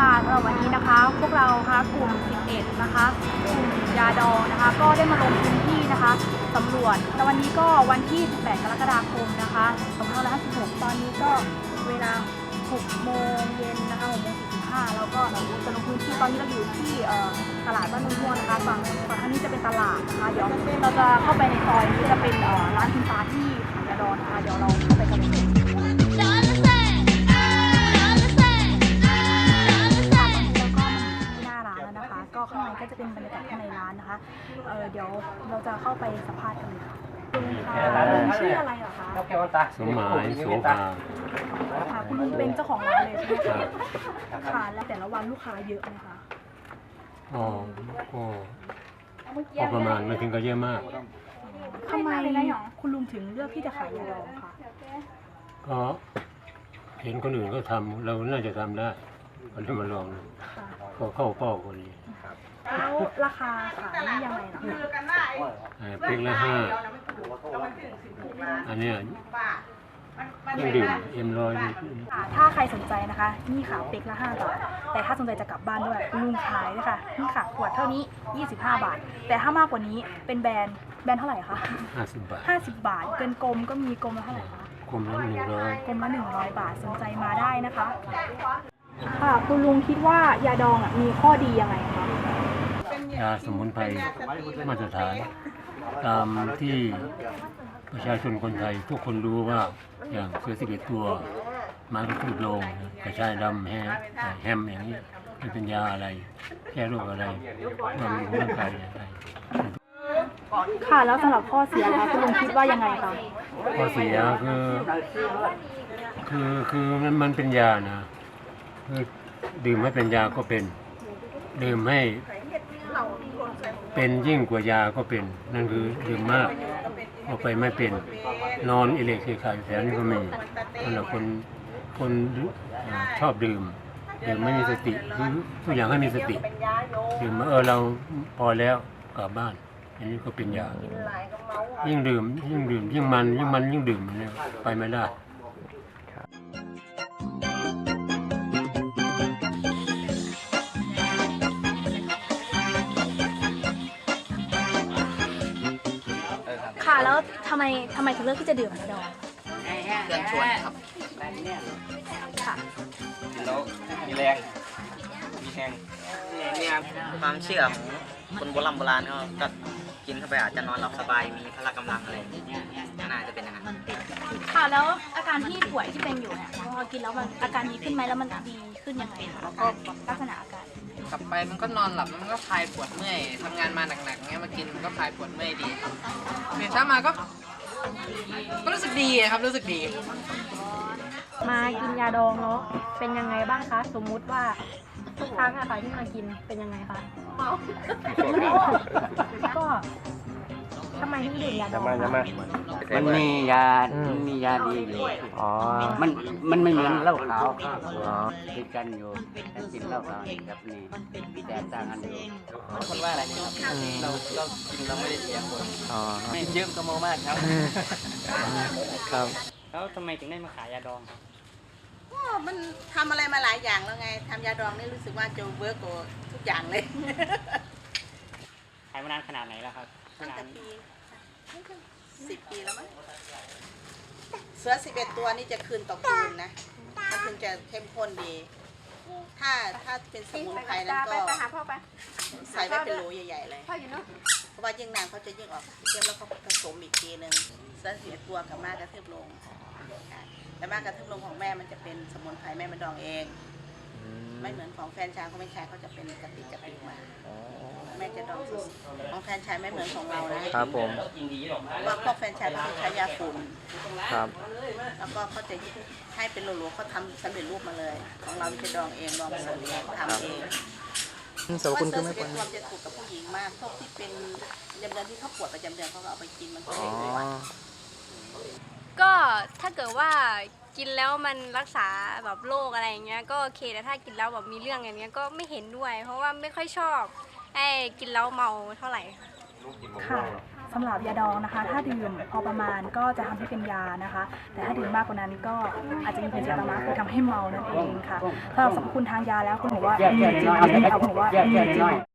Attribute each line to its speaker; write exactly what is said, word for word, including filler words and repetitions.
Speaker 1: ค่ะสำหรับวันนี้นะคะพวกเราค่ะกลุ่มสิบเอ็ดนะคะกลุ่มยาดองนะคะก็ได้มาลงพื้นที่นะคะสำรวจในวันนี้ก็วันที่สิบแปดกรกฎาคมนะคะสองพันห้าร้อยห้าสิบหกตอนนี้ก็เวลาหกโมงเย็นนะคะหกโมงสี่สิบห้าแล้วก็จะลงพื้นที่ตอนนี้เราอยู่ที่ตลาดบ้านม่วงนะคะฝั่งฝั่งทางนี้จะเป็นตลาดนะคะเดี๋ยวเราจะเข้าไปในซอยนี้จะเป็นร้านคุณตาที่ขายยาดองนะคะเดี๋ยวเราเข้าไปกันเลยก็ข้างในก็จะเป็นบรรยากาศข้างในร้านนะคะเออเดี๋ยวเราจะเข้าไปสัมภาษณ์กันเลยค่ะคุณค่ะชื่ออะไรเหรอคะ
Speaker 2: สมหมายโสภา
Speaker 1: ค่ะคุณลุงเป็นเจ้าของร้านเลยใช่ไหมคะค่ะแล้วแต่ละวันลูกค้าเยอะไหมคะ
Speaker 2: อ๋อก็พอประมาณไม่ถึงก็เยอะมาก
Speaker 1: ทำไมคุณลุงถึงเลือกที่จะขายยาดองคะ
Speaker 2: ก็เห็นคนอื่นก็ทำเราน่าจะทำได้ก็เลยมาลองก็เข้าเป้าคนนี้
Speaker 1: แล้วราคาขายนี่ยังไงล่ะ
Speaker 2: เพ็กละห้าอันนี้ยังดื่มเอ็มร้อย
Speaker 1: ถ้าใครสนใจนะคะนี่ค่ะเป็กละห้าบาทแต่ถ้าสนใจจะกลับบ้านด้วยลุงขายเลยค่ะนี่ค่ะขวดเท่านี้ยี่สิบห้าบาทแต่ถ้ามากกว่านี้เป็นแบรนด์แบรนด์เท่าไหร่คะ
Speaker 2: ห้าสิบบาท
Speaker 1: ห้าสิบบาทเกินกลมก็มีกลมละเท่าไหร่คะ
Speaker 2: กลมละหนึ่งร้อย
Speaker 1: กลมละหนึ่งร้อยบาทสนใจมาได้นะคะค่ะคุณลุงคิดว่ายาดองมีข้อดียังไงคะ
Speaker 2: ยาสมุนไพรมาตรฐานตามที่ประชาชนคนไทยทุกคนรู้ว่าอย่างเสือสิบเอ็ดตัวม้ากระทืบโลงกระชายดำแฮมแฮมอย่างนี้เป็นยาอะไรแก้โรคอะไรบำรุงร่างกายอะไร
Speaker 1: ค่ะแล้วสำหรับข้อเสียคะคุณลุงคิดว่ายังไงคะ
Speaker 2: ข้อเสียคือคือคือมันมันเป็นยานะคือดื่มให้เป็นยาก็เป็นดื่มให้เป็นยิ่งกว่ายาก็เป็นนั่นคือดื่มมากเอาไปไม่เป็นนอนอิเล็กทริกแถวนี้ก็มีสำหรับคนคนชอบดื่มดื่มไม่มีสติคือทุกอย่างให้มีสติดื่มมาเออเราพอแล้วกลับบ้านอันนี้ก็เป็นยายิ่งดื่มยิ่งดื่มยิ่งมันยิ่งมันยิ่งดื่มเนี่ยไปไม่ได้
Speaker 1: ค่ะแล้วทำไมทำไมถึงเลือกที่จะดื่มยาดอง
Speaker 3: เพื่อนชวนครับ
Speaker 1: ค่ะ
Speaker 3: แล้วมีแรงมีแห้งเนี่ยความเชื่อของคนโบราณโบราณเขาก็กินเข้าไปอาจจะนอนหลับสบายมีพละกำลังอะไรน่าจะเป็นอย่างนั้น
Speaker 1: ค่ะแล้วอาการที่ป่วยที่เป็นอยู่เนี่ยพอกินแล้วมันอาการดีขึ้นไหมแล้วมันดีขึ้นยังไงคะแล้วก็ลักษณะอาการ
Speaker 4: กลับไปมันก็นอนหลับมันก็คลายปวดเมื่อยทำงานมาหนักๆเงี้ยมากินมันก็คลายปวดเมื่อยดีตื่นเช้ามาก็ก็รู้สึกดีครับรู้สึกดี
Speaker 1: มากินยาดองเนาะเป็นยังไงบ้างคะสมมุติว่าทุกครั้งอะค่ะที่มากินเป็นยังไงคะก็ทำไมถึงดื่มยาดอง
Speaker 5: มันมียามันมียาดีอยู่อ๋อมันมันไม่เหมือนเหล้าขาวอ๋อติดกันอยู่แต่กินเหล้าขาวกับนี่แต่ต่างกันอยู่
Speaker 3: คนว่าอะไรครับเราเรากินเราไม่ได้เสียคนอ๋อไม่เยอะก็โมมากครับ
Speaker 5: ครับ
Speaker 4: แล้วทำไมถึงได้มาขายยาดองครับ
Speaker 6: ก็มันทำอะไรมาหลายอย่างแล้วไงทำยาดองนี่รู้สึกว่าจะเวิร์กกว่าทุกอย่างเลย
Speaker 4: ขายมานานขนาดไหนแล้วครับ
Speaker 6: ตั้งแต่ปีสิบปีแล้วมั้งเสือสิบเอ็ดตัวนี่จะคืนต่อคืนนะมันถึงจะเข้มข้นดีถ้าถ้าเป็นสมุนไพรนั้นก็ใส่ไว้เป็นโหลใหญ่ๆเลยเพราะว่ายิ่งนานเขาจะยิ่งออกเทียมแล้วเขาผสมอีกทีหนึ่งเสือสิบเอ็ดตัวกับมากกระเทือบลงแต่มากกระเทือบลงของแม่มันจะเป็นสมุนไพรแม่มันดองเองไม่เหมือนของแฟนชายของแม่ชายเขาจะเป็นกะปิกะปิมาแม่จะดองของแฟนชายไม่เหมือนของเรานะครับผมว่าพวกแฟนชายเขาจะใช้ยาฝุ่นครับแล้วก็เขาจะให้เป็นโหลๆเขาทำสำเร็จรูปมาเลยของเราจะดองเองดองสูตรเองทำเอง
Speaker 5: สาวคุณก็ไม่
Speaker 6: ควรจะถูกกับผู้หญิงมากพวกที่เป็นประจำเดือนที่เขาปวดประจำเดือนเขาก็เอาไปกินมันก็ไม่ได้
Speaker 7: ก็ถ้าเกิดว่ากินแล้วมันรักษาแบบโรคอะไรอย่างเงี้ยก็โอเคแต่ถ้ากินแล้วแบบมีเรื่องอย่างเงี้ยก็ไม่เห็นด้วยเพราะว่าไม่ค่อยชอบไอ้กินแล้วเมาเท่าไหร่
Speaker 1: ค่ะสำหรับยาดองนะคะ ถ้าดื่มพอประมาณก็จะทำให้เป็นยานะคะ แต่ถ้าดื่มมากกว่านั้นก็อาจจะมีผลเสียตามมาคือทำให้เมานั่นเองค่ะสำหรับสรรพคุณทางยาแล้วคุณบอกว่ามีจริงไหมเอาคุณบอกว่ามีจริง